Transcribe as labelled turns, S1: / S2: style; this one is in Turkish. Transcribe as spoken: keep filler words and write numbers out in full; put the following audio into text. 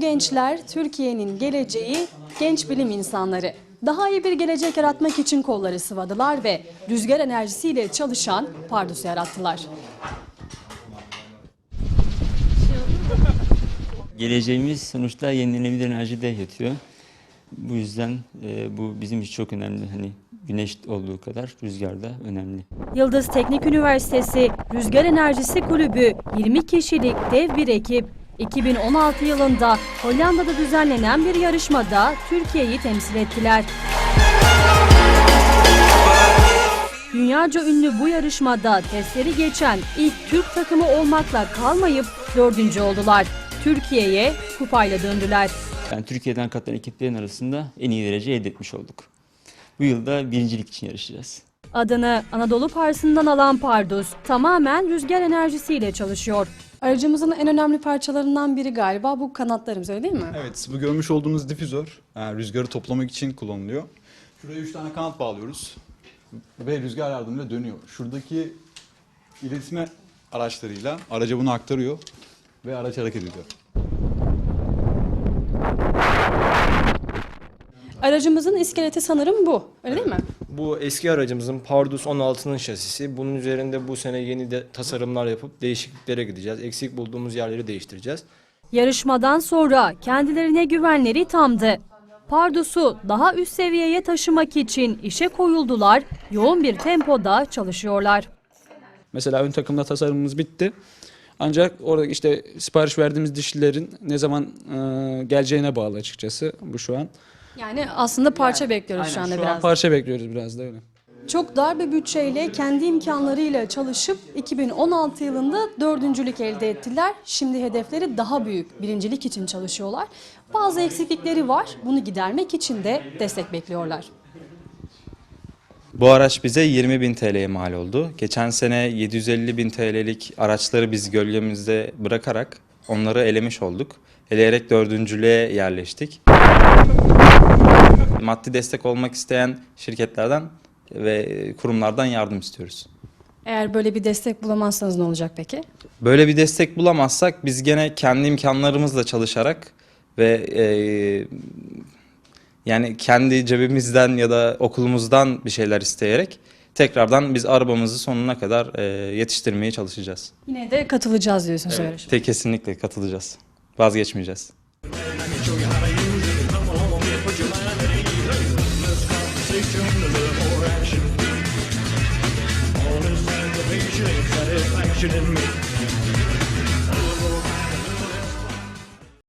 S1: gençler Türkiye'nin geleceği, genç bilim insanları. Daha iyi bir gelecek yaratmak için kolları sıvadılar ve rüzgar enerjisiyle çalışan Pardus'u yarattılar.
S2: Geleceğimiz sonuçta yenilenebilir enerjide yatıyor. Bu yüzden e, bu bizim için çok önemli. Hani güneş olduğu kadar rüzgar da önemli.
S1: Yıldız Teknik Üniversitesi Rüzgar Enerjisi Kulübü yirmi kişilik dev bir ekip iki bin on altı yılında Hollanda'da düzenlenen bir yarışmada Türkiye'yi temsil ettiler. Dünyaca ünlü bu yarışmada testleri geçen ilk Türk takımı olmakla kalmayıp dördüncü oldular. Türkiye'ye kupayla döndüler.
S2: Yani Türkiye'den katılan ekiplerin arasında en iyi derece elde etmiş olduk. Bu yılda birincilik için yarışacağız.
S1: Adını Anadolu Parsı'ndan alan Pardus tamamen rüzgar enerjisiyle çalışıyor. Aracımızın en önemli parçalarından biri galiba bu kanatlarımız, öyle değil mi?
S3: Evet, bu görmüş olduğunuz difüzör yani rüzgarı toplamak için kullanılıyor. Şuraya üç tane kanat bağlıyoruz ve rüzgar yardımıyla dönüyor. Şuradaki iletişim araçlarıyla araca bunu aktarıyor ve araç hareket ediyor.
S1: Aracımızın iskeleti sanırım bu, öyle değil mi?
S4: Bu eski aracımızın Pardus on altının şasisi. Bunun üzerinde bu sene yeni de tasarımlar yapıp değişikliklere gideceğiz. Eksik bulduğumuz yerleri değiştireceğiz.
S1: Yarışmadan sonra kendilerine güvenleri tamdı. Pardus'u daha üst seviyeye taşımak için işe koyuldular, yoğun bir tempoda çalışıyorlar.
S5: Mesela ön takımda tasarımımız bitti. Ancak orada işte sipariş verdiğimiz dişlilerin ne zaman e, geleceğine bağlı açıkçası bu şu an.
S1: Yani aslında parça bekliyoruz
S5: Aynen,
S1: şu anda
S5: şu
S1: biraz.
S5: an parça bekliyoruz biraz da öyle.
S1: Çok dar bir bütçeyle kendi imkanlarıyla çalışıp iki bin on altı yılında dördüncülük elde ettiler. Şimdi hedefleri daha büyük, birincilik için çalışıyorlar. Bazı eksiklikleri var, bunu gidermek için de destek bekliyorlar.
S6: Bu araç bize yirmi bin T L'ye mal oldu. Geçen sene yedi yüz elli bin T L'lik araçları biz gölgemizde bırakarak onları elemiş olduk. Eleyerek dördüncülüğe yerleştik. Maddi destek olmak isteyen şirketlerden ve kurumlardan yardım istiyoruz.
S1: Eğer böyle bir destek bulamazsanız ne olacak peki?
S6: Böyle bir destek bulamazsak biz gene kendi imkanlarımızla çalışarak ve e, yani kendi cebimizden ya da okulumuzdan bir şeyler isteyerek tekrardan biz arabamızı sonuna kadar e, yetiştirmeye çalışacağız.
S1: Yine de katılacağız diyorsunuz
S6: Evet,
S1: yarışmaya.
S6: te kesinlikle katılacağız. Vazgeçmeyeceğiz.
S7: Satisfaction in me.